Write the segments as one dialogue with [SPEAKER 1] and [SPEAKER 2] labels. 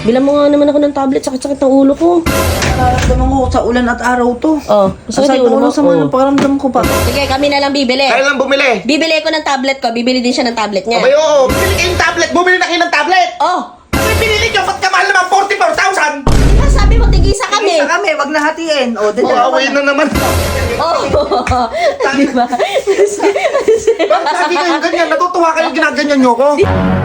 [SPEAKER 1] Bilang mo nga naman ako ng tablet, sakit-sakit ng ulo ko.
[SPEAKER 2] Nararamdaman ko sa ulan at araw to.
[SPEAKER 1] Oh,
[SPEAKER 2] Sakit
[SPEAKER 1] sakit yung ulo mo.
[SPEAKER 2] sa mga pakiramdam ko pa.
[SPEAKER 1] Sige, kami na lang bibili.
[SPEAKER 3] Kaya lang bumili.
[SPEAKER 1] Bibili ko ng tablet ko, bibili din siya ng tablet niya.
[SPEAKER 3] Abay, oo. Bumili kayong tablet. Bumili na kayo ng tablet.
[SPEAKER 1] Oh,
[SPEAKER 3] Abay, binili nyo. Ba't ka mahal naman? 44,000.
[SPEAKER 1] diba sabi mo tigisa kami?
[SPEAKER 2] Isa kami, wag na hatiin. O,
[SPEAKER 3] Away na naman.
[SPEAKER 1] Oh, diba?
[SPEAKER 3] Bakit lagi kayong ganyan? Natutuwa kayong ginaganyan nyo ko?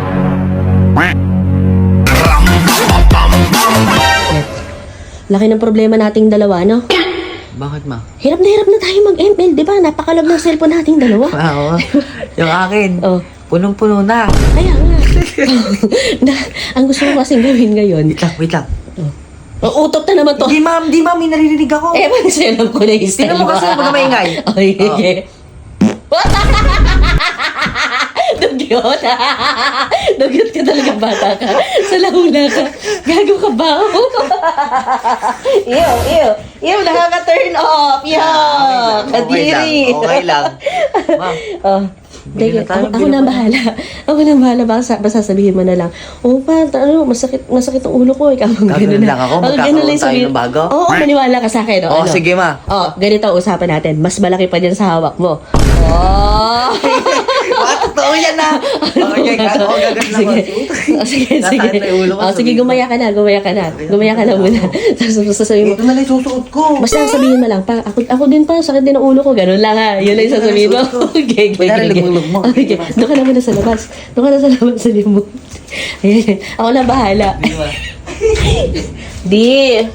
[SPEAKER 1] Laki ng problema nating dalawa, no?
[SPEAKER 2] Bakit ma?
[SPEAKER 1] Hirap na tayo mag-ML, di ba? Napakalag ng cellphone nating dalawa.
[SPEAKER 2] Oo. Yung akin.
[SPEAKER 1] Oh.
[SPEAKER 2] Punong-puno na.
[SPEAKER 1] Kaya nga. Ang gusto ko kasing gawin ngayon.
[SPEAKER 2] Wait lang.
[SPEAKER 1] Oh, utot na naman to.
[SPEAKER 2] Di ma'am, may naririnig ako.
[SPEAKER 1] Eh, mag-selam ko na yung style.
[SPEAKER 2] Tingnan mo kasi, huwag na maingay.
[SPEAKER 1] Okay. Dugyot. Dugyot ka talaga, bata ka. Sa lahula ka. Gago ka ba? Ew, nakaka-turn off. Yuck. Kadiri.
[SPEAKER 2] Okay lang. Ma'am.
[SPEAKER 1] Oh.
[SPEAKER 2] Bili na tayo,
[SPEAKER 1] Ako
[SPEAKER 2] bili
[SPEAKER 1] na
[SPEAKER 2] mo.
[SPEAKER 1] bahala. Ako na bahala. Baka sasabihin mo na lang, oh pa, masakit ang ulo ko. Ikaw ang
[SPEAKER 2] Gagawin lang ako, magkakaroon tayo ng bago.
[SPEAKER 1] Oo, maniwala ka sa akin.
[SPEAKER 2] Oo, sige, ma.
[SPEAKER 1] Oh, ganito ang usapan natin. Mas malaki pa dyan sa hawak mo. Oh!
[SPEAKER 2] Totoo yan na. Okay, gagawin lang
[SPEAKER 1] Sige.
[SPEAKER 2] ako.
[SPEAKER 1] Oh, sige.
[SPEAKER 2] Nasakit na yung ulo ko,
[SPEAKER 1] Oh, sige,
[SPEAKER 2] sabihin mo.
[SPEAKER 1] gumaya ka na. Gumaya ka na muna. Tapos sasabihin mo,
[SPEAKER 2] Ito na lang susuot ko.
[SPEAKER 1] basta sabihin mo lang, pa, ako din pa, sakit din ang ulo ko. Ganun lang ha. Yun lang yung sasabihin mo. Okay.
[SPEAKER 2] Kunyari, lumulog mo.
[SPEAKER 1] Okay. Doon ka na muna sa labas. Doon ka na sa labas sa limot. Ayan. Ako na bahala. Di.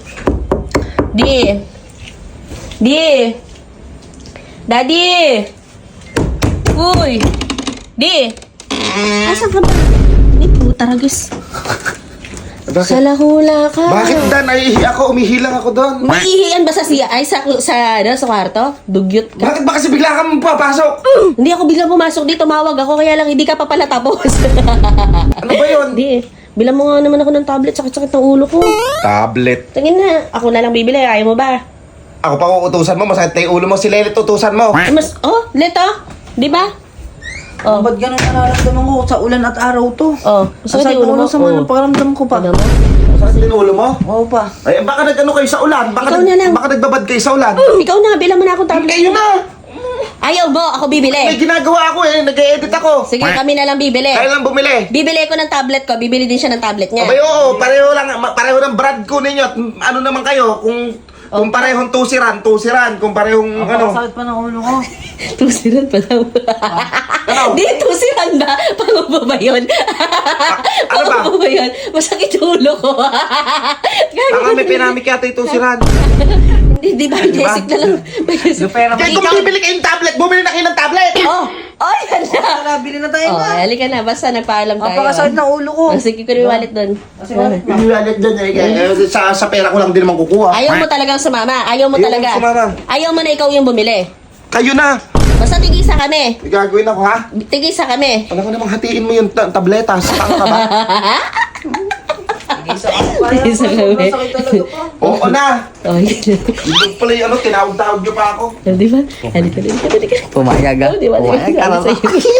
[SPEAKER 1] Daddy. Uy. Di. Asan ka ba? Di puta ragis. Sa lahula ka.
[SPEAKER 3] Bakit Dan? Naiihi ako. Umihilang ako doon.
[SPEAKER 1] Maiihian ba sa siya? Ay, sa kwarto? Dugyot ka.
[SPEAKER 3] Bakit ba kasi bigla kang papasok?
[SPEAKER 1] Hindi ako biglang pumasok dito. Tumawag ako. Kaya lang hindi ka pa pala tapos.
[SPEAKER 3] Ano ba yun?
[SPEAKER 1] Hindi. Bilang mo nga naman ako ng tablet. Sakit-sakit ng ulo ko.
[SPEAKER 3] Tablet.
[SPEAKER 1] Tingin na. Ako na lang bibili. Ayaw mo ba?
[SPEAKER 3] Ako pa uutusan mo. Masakit na yung ulo mo. Si Lelit utusan mo.
[SPEAKER 1] Leto. Di ba? Oh.
[SPEAKER 2] Ba't ganun nararamdaman ko sa ulan at araw to?
[SPEAKER 1] Oh.
[SPEAKER 2] Sakit yung ulo sa mga pakiramdam ko pa.
[SPEAKER 1] Tignan mo.
[SPEAKER 3] Masakit din yung ulo mo?
[SPEAKER 2] Oo pa.
[SPEAKER 3] Ay, baka nag-ano kayo sa ulan?
[SPEAKER 1] Ikaw na lang.
[SPEAKER 3] Baka nagbabad kayo sa ulan?
[SPEAKER 1] Ikaw na. Bilang mo na akong tablet.
[SPEAKER 3] Kayo na!
[SPEAKER 1] Ayaw mo. Ako
[SPEAKER 3] May
[SPEAKER 1] bibili.
[SPEAKER 3] ginagawa ako eh. Nag-e-edit ako.
[SPEAKER 1] Sige, kami na lang bibili.
[SPEAKER 3] Kaya lang bumili.
[SPEAKER 1] Bibili ko ng tablet ko. Bibili din siya ng tablet niya.
[SPEAKER 3] Abay, oo. Pareho ng brand ko ninyo. At ano naman kayo? Kung parehong tusiran. Kung parehong ano.
[SPEAKER 2] Sakit pa ng ulo ko.
[SPEAKER 1] Tusiran pa daw.
[SPEAKER 3] Ano?
[SPEAKER 1] Di, tusiran ba? Pangubo ba yun?
[SPEAKER 3] ano ba?
[SPEAKER 1] Pangubo ba yun? Masakit yung ulo ko.
[SPEAKER 3] Baka may pinamik yata yung tusiran.
[SPEAKER 1] Hindi, di ba?
[SPEAKER 3] Di ba?
[SPEAKER 1] Basic na lang. Basic.
[SPEAKER 2] Yung pera mo.
[SPEAKER 3] Kaya kung bibili kayong tablet, bumili na kayo ng tablet!
[SPEAKER 1] Oh! Oh, yan na!
[SPEAKER 2] Tara, bili na tayo
[SPEAKER 1] Oh,
[SPEAKER 2] ma.
[SPEAKER 1] halika na. Basta nagpaalam tayo.
[SPEAKER 2] Napakasakit ng ulo ko.
[SPEAKER 1] Oh, sige ko yung wallet doon.
[SPEAKER 3] Biniwalit dyan eh. Sa pera ko lang din naman kukuha.
[SPEAKER 1] Ayaw mo talagang sumama. Ayaw mo
[SPEAKER 3] Ayaw
[SPEAKER 1] talaga.
[SPEAKER 3] ko sumama.
[SPEAKER 1] Ayaw mo na ikaw yung bumili.
[SPEAKER 3] Kayo na!
[SPEAKER 1] Basta tigisa kami.
[SPEAKER 3] Gagawin ako ha?
[SPEAKER 1] Tigisa kami.
[SPEAKER 3] Alam ko namang hatiin mo yung tabletas. Tanga ka ba?
[SPEAKER 2] Tigisa ako pa.
[SPEAKER 1] Tigisa kami.
[SPEAKER 2] Sakit talaga pa.
[SPEAKER 3] Oo na!
[SPEAKER 1] Oh, yun.
[SPEAKER 3] Yung pala yung tinawag-tawag nyo pa ako.
[SPEAKER 1] Di ba? Halika.
[SPEAKER 2] Pumayag ah.
[SPEAKER 1] Oh, di ba?
[SPEAKER 2] Pumayag ka na.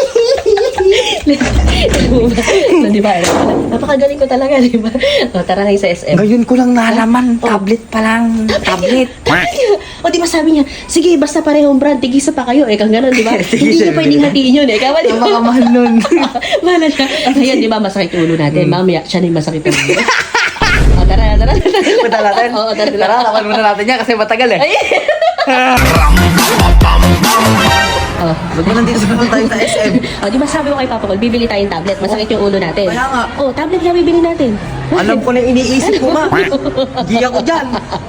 [SPEAKER 1] Di ba? Napakagaling ko talaga, di ba? O, tara na sa SM.
[SPEAKER 2] Ngayon ko lang nalaman. Tablet pa lang. Tablet.
[SPEAKER 1] O, di ba sabi niya, sige, basta parehong brand, tigisa pa kayo. Kang gano'n, di ba? Hindi niya pwedeng hatiin yun, eh. Kawa, di ba?
[SPEAKER 2] Makamahal nun.
[SPEAKER 1] Mahala siya. Ayan, di ba, masakit yung ulo natin. Mamaya, siya na yung masakit yung ulo. O, tara.
[SPEAKER 2] Punta natin.
[SPEAKER 1] Oo, tara.
[SPEAKER 2] Laban muna natin yan kasi matagal eh.
[SPEAKER 1] Ay! Oh.
[SPEAKER 2] Ba't mo nandito sa tayo sa SM?
[SPEAKER 1] O, di ba sabi ko kay Papa Col, bibili tayong tablet. Masakit yung ulo natin.
[SPEAKER 2] Kaya nga.
[SPEAKER 1] Oh, tablet nga bibili natin.
[SPEAKER 2] Alam ko na iniisip ko ma. Di ako dyan.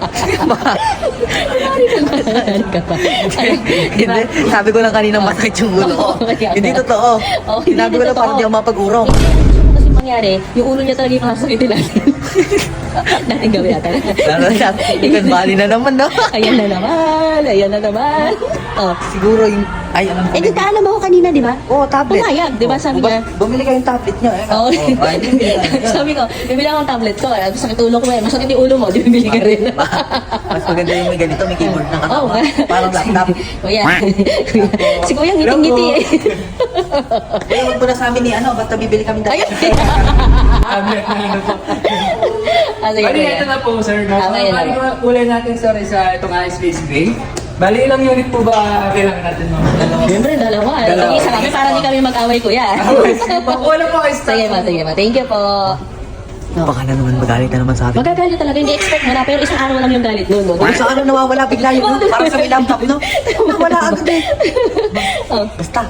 [SPEAKER 1] Ano ka pa?
[SPEAKER 2] Hindi. Sabi ko lang kanina masakit yung ulo ko. Hindi totoo.
[SPEAKER 1] Hindi
[SPEAKER 2] Sinabi ko lang
[SPEAKER 1] totoo.
[SPEAKER 2] parang di ako mapag-urong.
[SPEAKER 1] Hindi, ang gusto ko kasi mangyari, yung ulo niya talaga yung kasakitin natin. Natin gawin natin.
[SPEAKER 2] Ikan bali na naman no?
[SPEAKER 1] Ayan na naman. Oh.
[SPEAKER 2] Siguro yung... Ay, alam ko.
[SPEAKER 1] Eh, nagkaalam ako kanina, di ba?
[SPEAKER 2] Oo, tablet.
[SPEAKER 1] Pumayag, di ba? Sabi niya.
[SPEAKER 2] Bumili kayong tablet niyo eh.
[SPEAKER 1] Oo.
[SPEAKER 2] Ay, bumili tayo.
[SPEAKER 1] Sabi ko, bibili akong tablet ko. Masakit ulo ko eh. Masakit yung ulo mo, di bibili ka rin.
[SPEAKER 2] Mas maganda yung may ganito, may keyboard na
[SPEAKER 1] Oo.
[SPEAKER 2] kasama. Parang laptop.
[SPEAKER 1] Kuya. Si Kuya ngiting-ngiti eh.
[SPEAKER 2] Kaya wag mo na sa amin ni ano, basta bibili kami
[SPEAKER 1] Ayun.
[SPEAKER 2] tablet na
[SPEAKER 1] Sige,
[SPEAKER 4] Bali,
[SPEAKER 1] kuya.
[SPEAKER 4] ito na po, sir.
[SPEAKER 1] Okay na.
[SPEAKER 4] Bali, kulay natin, sorry, sa itong Space Gray. Bali, ilang unit po ba kailangan natin, ma'am? Dalawa.
[SPEAKER 1] Siyempre, dalawa.
[SPEAKER 4] Dalawa.
[SPEAKER 1] Sige, isa kami para di kami mag-away, kuya.
[SPEAKER 4] Wala po kayo
[SPEAKER 1] Sige ma, sige ma. Thank you po.
[SPEAKER 2] Baka na naman magalit na naman sa atin.
[SPEAKER 1] Magagalit talaga, hindi expect mo na, pero isang araw lang yung galit nun. No?
[SPEAKER 2] Sa ano nawawala bigla yun, no? Parang sa may laptop, no? Nawala agad eh.
[SPEAKER 1] Oh.
[SPEAKER 2] Basta.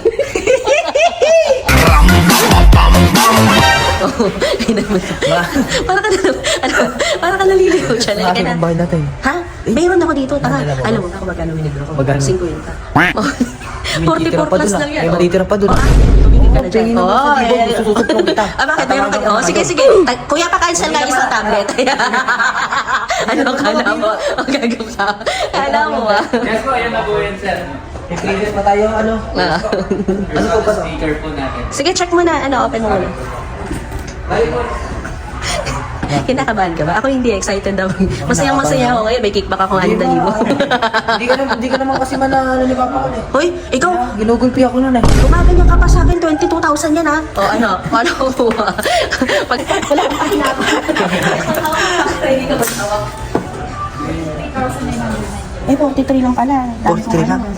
[SPEAKER 1] Parang ka naliligaw siya.
[SPEAKER 2] Sa akin ang bahay natin.
[SPEAKER 1] Ha? Mayroon ako dito. Tara.
[SPEAKER 2] Dalawa.
[SPEAKER 1] Alam mo na kung magkano winigro ko?
[SPEAKER 2] Magkano?
[SPEAKER 1] 50. Oh.
[SPEAKER 2] May
[SPEAKER 1] 44
[SPEAKER 2] titira pa
[SPEAKER 1] plus
[SPEAKER 2] dun,
[SPEAKER 1] lang yan.
[SPEAKER 2] May
[SPEAKER 1] oh.
[SPEAKER 2] matitira pa dun.
[SPEAKER 1] Tumingin ka na dyan.
[SPEAKER 2] tingin naman sa libo,
[SPEAKER 1] ayan.
[SPEAKER 2] sususuplong kita.
[SPEAKER 1] Bakit? Meron ka. Oh, sige, sige. Kuya, pa-cancel nga isang tablet. Ano kala mo? Ang gagawin ka. Kala mo ba?
[SPEAKER 4] Yes po, ayan na po yan, sir.
[SPEAKER 2] May previous pa tayo, ano?
[SPEAKER 1] Ah.
[SPEAKER 2] Ano po ba?
[SPEAKER 4] Speaker po natin.
[SPEAKER 1] Sige, check mo na. Ano, open mo muna.
[SPEAKER 4] Bali po,
[SPEAKER 1] Kinakabahan ka ba? Ako hindi excited daw. Masayang-masaya ako ngayon. May kickback ako 6,000.
[SPEAKER 2] Hindi ka naman kasi manalo ni Papa ko eh.
[SPEAKER 1] Hoy, ikaw,
[SPEAKER 2] Ginugulpi ako nun eh.
[SPEAKER 1] gumaganyan ka pa sa akin, 22,000 yan ha. O ano, paano ko kuha? Pag wala kang pahinapa. Ready ka ba tawag? 3,900. Eh, 43 lang pala.
[SPEAKER 2] 43 lang.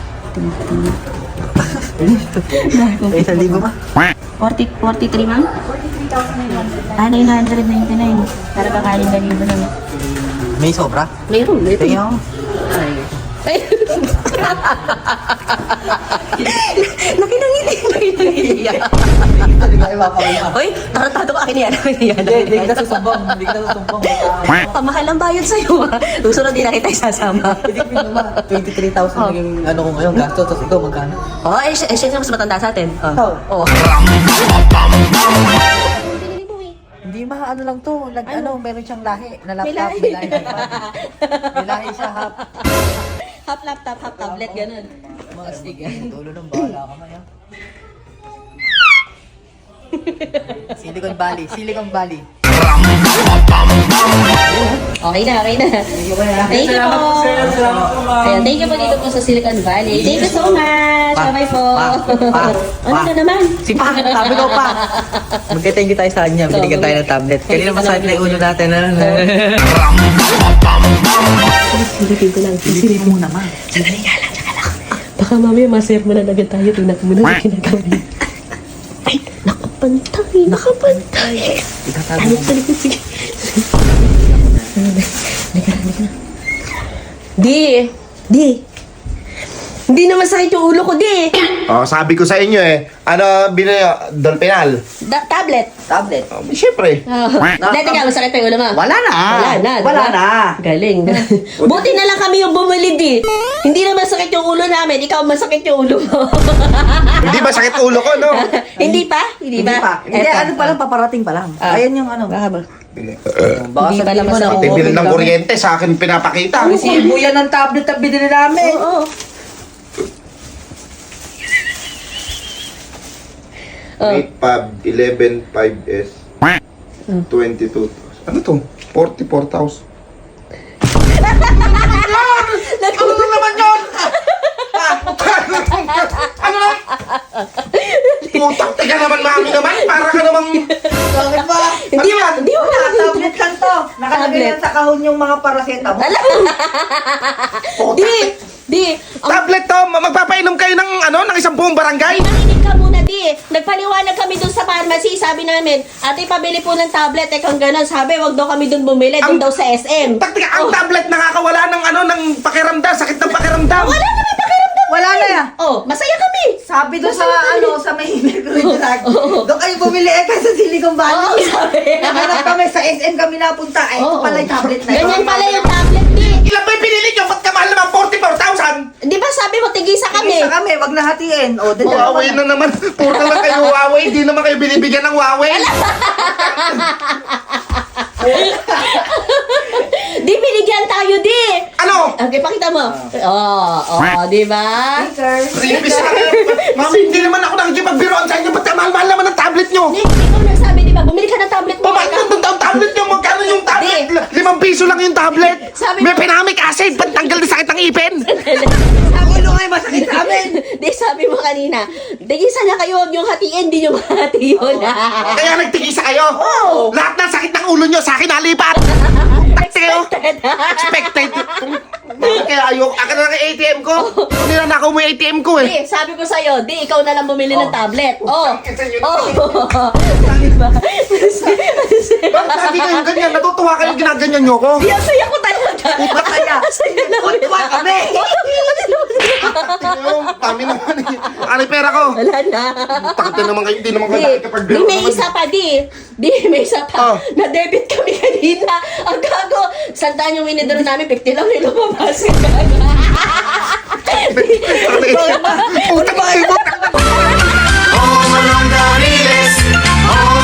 [SPEAKER 2] Eh, 1,000 ba?
[SPEAKER 1] 43 ma'am? 43,900. Ah, 999. Para ba kaling ganito lang.
[SPEAKER 2] May sobra?
[SPEAKER 1] Mayroon.
[SPEAKER 2] Tingnan mo.
[SPEAKER 1] Ay. Nakinangiti.
[SPEAKER 2] Hindi ka ipapakita.
[SPEAKER 1] Hoy, tarantado ka akin yan.
[SPEAKER 2] Hindi ka susumbong. Hindi ka susumbong.
[SPEAKER 1] Pamahal ang bayad sa'yo ha. Susunod din na kita isasama.
[SPEAKER 2] Hindi ko naman. 23,000 naging ano ko ngayon. Gasto. Tapos ikaw magkano?
[SPEAKER 1] Oh, siya mas matanda sa atin.
[SPEAKER 2] Ikaw?
[SPEAKER 1] Oh.
[SPEAKER 2] Hindi ano lang to. Meron siyang lahi na
[SPEAKER 1] May
[SPEAKER 2] laptop.
[SPEAKER 1] lahi.
[SPEAKER 2] May lahi siya half.
[SPEAKER 1] Half laptop, half tablet, ganun.
[SPEAKER 2] Mga sige. Tulo ng bahala ka maya. Silicon Valley. Silicon Valley.
[SPEAKER 1] Okay na, okay na. Thank you
[SPEAKER 4] salamat po,
[SPEAKER 1] po.
[SPEAKER 4] sir. Salamat po, ma'am.
[SPEAKER 1] Ayan, thank you po dito po sa Silicon Valley. Thank you so much. Bye-bye po. Ano na naman?
[SPEAKER 2] Si Pa, sabi ko pa. Magka-thank you tayo sa kanya. Binigyan tayo ng tablet. Kanina masakit na yung ulo natin.
[SPEAKER 1] Silipin ko lang.
[SPEAKER 2] Silipin mo naman.
[SPEAKER 1] Sandali ka lang, tsaka lang. Baka mamaya maser mo na agad tayo. Tingnan mo na yung ginagawa niya. Ay, nakapantay. Nakapantay.
[SPEAKER 2] Itatago
[SPEAKER 1] Ano
[SPEAKER 2] mo.
[SPEAKER 1] sa likod? Sige. Halika na. Di. Hindi naman sakit yung ulo ko, di.
[SPEAKER 3] Oh, sabi ko sa inyo eh. Ano, binili Dolphinal?
[SPEAKER 1] Tablet.
[SPEAKER 2] Tablet.
[SPEAKER 3] Siyempre.
[SPEAKER 1] Dati nga, masakit pa yung ulo mo.
[SPEAKER 2] Wala na. Wala na.
[SPEAKER 1] Galing. Buti na lang kami yung bumili, di. Hindi naman sakit yung ulo namin. Ikaw masakit yung ulo mo.
[SPEAKER 3] Hindi ba sakit ulo ko, no?
[SPEAKER 1] Hindi pa? Hindi ba?
[SPEAKER 2] Hindi,
[SPEAKER 1] Eto.
[SPEAKER 2] ano pa lang, paparating pa lang.
[SPEAKER 1] Ah.
[SPEAKER 2] Ayan yung ano. Baka
[SPEAKER 1] Hindi pa
[SPEAKER 2] sabihin
[SPEAKER 1] naman
[SPEAKER 2] mo na,
[SPEAKER 1] sa-
[SPEAKER 3] Pati
[SPEAKER 2] oo,
[SPEAKER 3] bill ng
[SPEAKER 2] gamit.
[SPEAKER 3] kuryente sa akin pinapakita.
[SPEAKER 2] Resibo yan ng tablet na binili namin.
[SPEAKER 1] Oo. Oh.
[SPEAKER 3] 8 5S 22. Ano to? 44,000. Ano na naman yun? Ano na? Putang tiga naman mami naman. Para ka namang...
[SPEAKER 2] Bakit ba?
[SPEAKER 1] Hindi mo, hindi mo na.
[SPEAKER 2] Tablet lang to. Nakalagay
[SPEAKER 1] Tablet.
[SPEAKER 2] yan sa kahon yung mga paracetamol.
[SPEAKER 1] Di.
[SPEAKER 3] Tablet to, magpapainom kayo ng ano, ng isang buong barangay?
[SPEAKER 1] Ay, nakinig ka muna, di. Nagpaliwanag kami dun sa pharmacy. Sabi namin, ate, pabili po ng tablet. Eh, kung gano'n, sabi, wag daw kami dun bumili. Dun daw sa SM.
[SPEAKER 3] Taktika, ang tablet nakakawala ng ano, ng pakiramdam, sakit ng pakiramdam.
[SPEAKER 1] Wala naman pakiramdam.
[SPEAKER 2] Wala na yan.
[SPEAKER 1] Oh, masaya kami.
[SPEAKER 2] Sabi doon sa sa may Mercury Drug.
[SPEAKER 1] Oo.
[SPEAKER 2] Doon kayo bumili sa Silicon
[SPEAKER 1] Oo,
[SPEAKER 2] Valley.
[SPEAKER 1] sabi.
[SPEAKER 2] Nahanap kami sa SM kami napunta. Ay, ito
[SPEAKER 1] Oo.
[SPEAKER 2] pala yung tablet na
[SPEAKER 1] Ganyan pala yung tablet, di.
[SPEAKER 3] Ilan ba yung pinili nyo? Ba't kamahal naman 44,000?
[SPEAKER 1] Di ba sabi mo, tigisa kami?
[SPEAKER 2] Isa kami, wag na hatiin. O, dalawa
[SPEAKER 3] Huawei na naman. Puro na lang kayo Huawei. Di naman kayo binibigyan ng Huawei.
[SPEAKER 1] Di, binigyan tayo, di.
[SPEAKER 3] Ano?
[SPEAKER 1] Okay, pakita mo. Di ba?
[SPEAKER 3] Ripis na kayo. Mami, hindi naman ako nakikipagbiroan sa inyo. Ba't kamahal-mahal naman ang tablet nyo?
[SPEAKER 1] Nick, ikaw nagsabi, di ba? Bumili ka ng tablet mo.
[SPEAKER 3] Bakit nandun daw ang tablet nyo? Magkano yung tablet?
[SPEAKER 1] Di.
[SPEAKER 3] 5 piso lang yung tablet.
[SPEAKER 1] Sabi
[SPEAKER 3] May
[SPEAKER 1] mo-
[SPEAKER 3] pinamic acid. Ba't tanggal na sakit ng ipin?
[SPEAKER 2] Ulo nga yung masakit sa amin.
[SPEAKER 1] Di, sabi mo kanina, tigisa na kayo, huwag yung hatiin, di nyo mahati yun.
[SPEAKER 3] Kaya nagtigisa kayo?
[SPEAKER 1] Oo.
[SPEAKER 3] Lahat ng sakit ng ulo nyo, sa akin nalipat. Takti kayo. Expected. Kaya ayoko, akin na lang yung ATM ko. Ninanakaw mo yung ATM ko eh.
[SPEAKER 1] Di, sabi ko sa'yo, di, ikaw na lang bumili ng tablet. Oh.
[SPEAKER 3] Bakit lagi kayong ganyan? Natutuwa kayong ginaganyan nyo ko?
[SPEAKER 1] Di, ang saya ko talaga.
[SPEAKER 2] Puta kaya.
[SPEAKER 1] Saya naman.
[SPEAKER 2] Puta kami.
[SPEAKER 3] Tami naman eh. Ano yung pera ko?
[SPEAKER 1] Wala na.
[SPEAKER 3] Takot na naman kayo, hindi naman kayo
[SPEAKER 1] Di,
[SPEAKER 3] nakikapagbiro
[SPEAKER 1] may
[SPEAKER 3] naman.
[SPEAKER 1] isa pa, di. Di, may isa pa.
[SPEAKER 3] Oh.
[SPEAKER 1] Na-debit kami kanina. Ang gago. Sandaan yung winidro namin, 50 lang yung lumabas.
[SPEAKER 3] Puta ba kayo?
[SPEAKER 5] Oh, Manong Dariles, oh,